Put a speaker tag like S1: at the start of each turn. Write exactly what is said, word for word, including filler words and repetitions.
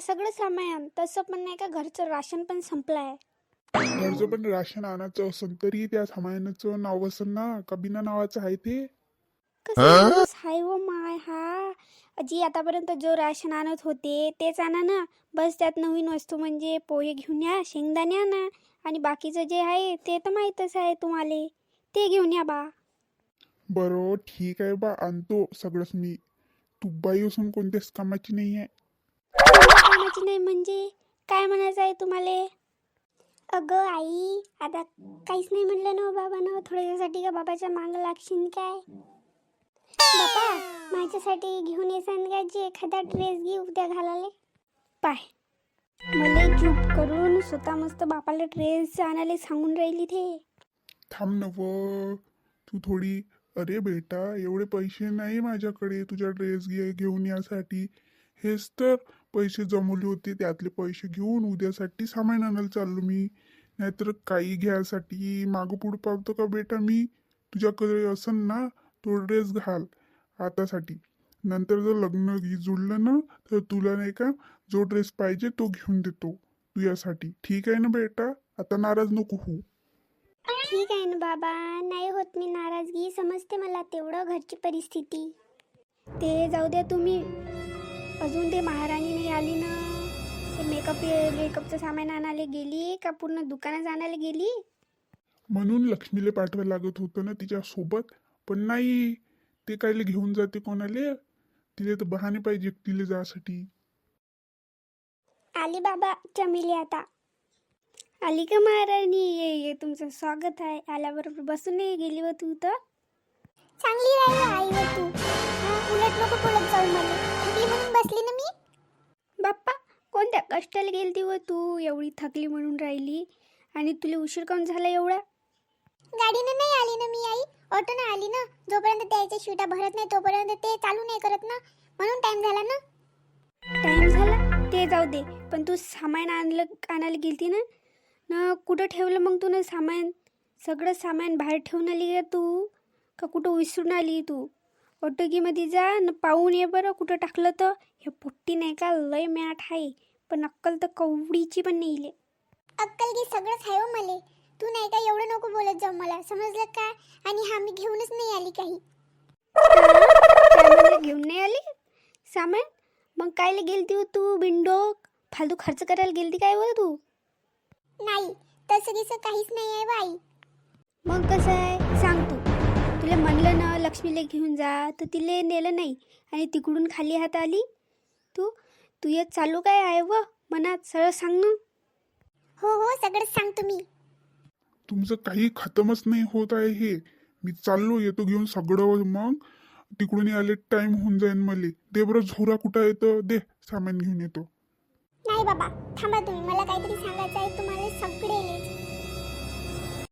S1: सगळं सामान. तसं पण नाही का, घरचं राशन पण संपलं आहे.
S2: घरचं पण राशन आणायचं असेल तरी त्या सामानाचं नाव असेल ना, का बिना नावाचं आहे ते?
S1: कसं दिवस हाय व माय हा. जी आतापर्यंत जो राशन आणत होते तेच आणा ना. बस त्यात नवीन वस्तू म्हणजे पोहे घेऊन या, शेंगदाणे आणा, आणि बाकीचं जे आहे ते तर माहीतच आहे तुम्हाला, ते घेऊन या बा.
S2: बरं ठीक आहे बा, आणतो सगळंच मी. तू बाई असून कोणत्याच कामाची नाही आहे.
S1: कोणत्या कामाची नाही म्हणजे काय म्हणायचं आहे तुम्हाला? अगं आई, आता काहीच नाही म्हणलं ना बाबानं. थोड्यासाठी का बाबाच्या मागं लागशील काय? बाबा, माझ्यासाठी घेऊन येसान का जे एखादा ड्रेस घे उद्या घालाले. पाय, मला चूप करून स्वतः मस्त बापाला ड्रेस आणायला सांगून राहिली ते.
S2: थांब न व, तू थोडी. अरे बेटा, एवढे पैसे नाही माझ्याकडे तुझ्या ड्रेस घे घेऊन यासाठी. हेच तर पैसे जमवले होते, त्यातले पैसे घेऊन उद्यासाठी सामान आणायला चाललो मी. नाहीतर काही घ्यायसाठी मागं पुढं पावतो का बेटा मी? तुझ्याकडे असन ना तो ड्रेस घाल आतासाठी. नंतर जर लग्न घे जुळलं ना, तर तुला नाही का जो ड्रेस पाहिजे तो घेऊन देतो तुझ्यासाठी. ठीक आहे ना बेटा? आता नाराज नको होऊ.
S1: ठीक आहे ना बाबा, नाही होत मी नाराजगी. समजते मला तेवढं घरची परिस्थिती. ते जाऊ द्या तुम्ही. अजून ते महाराणी नाही आली ना. ते मेकअप मेकअपचं सामान आणायला गेली का पूर्ण दुकानात आणायला गेली?
S2: म्हणून लक्ष्मीला पाठवायला लागत होतं ना तिच्या सोबत. पण नाही, ते कायले घेऊन जाते कोणाले? तिला तर बहाणे पाहिजे एकटीला जासाठी.
S1: आली बाबा चमेली आता. आली का महाराणी? ये ये, तुमचं स्वागत आहे. आल्याबरोबर बसून नाही गेली व तू तर. चांगली राहिली आई व तू. हा, उलट नको बोलत जाऊ मला. थकली म्हणून बसली ना मी. बाप्पा, कोणत्या कष्टाला गेलती व तू? एवढी थकली म्हणून राहिली. आणि तुला उशीर काऊन झाला एवढा? गाडीनं नाही आली ना मी आई, ऑटोनं आली ना. जोपर्यंत त्याच्या शिटा भरत नाही तोपर्यंत ते चालू नाही करत ना, म्हणून टाइम झाला ना. टाइम झाला ते जाऊ दे, पण तू सामान आणलं आणायला गेलती ना ना कुठं ठेवलं मग तू ना सामान? सगळं सामान बाहेर ठेवून आली का तू, का कुठं विसरून आली तू? ऑटोगीमध्ये जा न पाहून ये बरं कुठं टाकलं तर. हे पोट्टी नाही का लय मॅट आहे, पण अक्कल तर कवडीची पण नाही इले. अक्कल की सगळंच आहे हो मले. तू नाही का एवढं नको बोलत जाऊ मला, समजलं का? आणि हा मी घेऊनच नाही आली काही. घेऊन नाही आली सामान? मग कायला गेलती हो तू बिंडोक? फालतू खर्च करायला गेलती काय व तू? नाही, तसं गिसं काहीच नाही आहे बाई. मग कसं आहे सांग तू? तुला म्हणलं ना लक्ष्मीला घेऊन जा, तर तिला नेलं नाही आणि तिकडून खाली हात आली तू. तू ये चालू काय आहे व मनात, सरळ सांग ना. हो हो, सगळंच सांगतो मी.
S2: तुमचं काही खतमच नाही होत आहे हे. मी चाललो, येतो घेऊन सगळं. मग तिकडून आले टाइम होऊन जाईन मले. दे बरं झोरा कुठं येतं, दे सामान घेऊन येतो.
S1: नाही बाबा, थांबा तुम्ही. मला काहीतरी सांगायचं आहे तुम्हाला सगळे.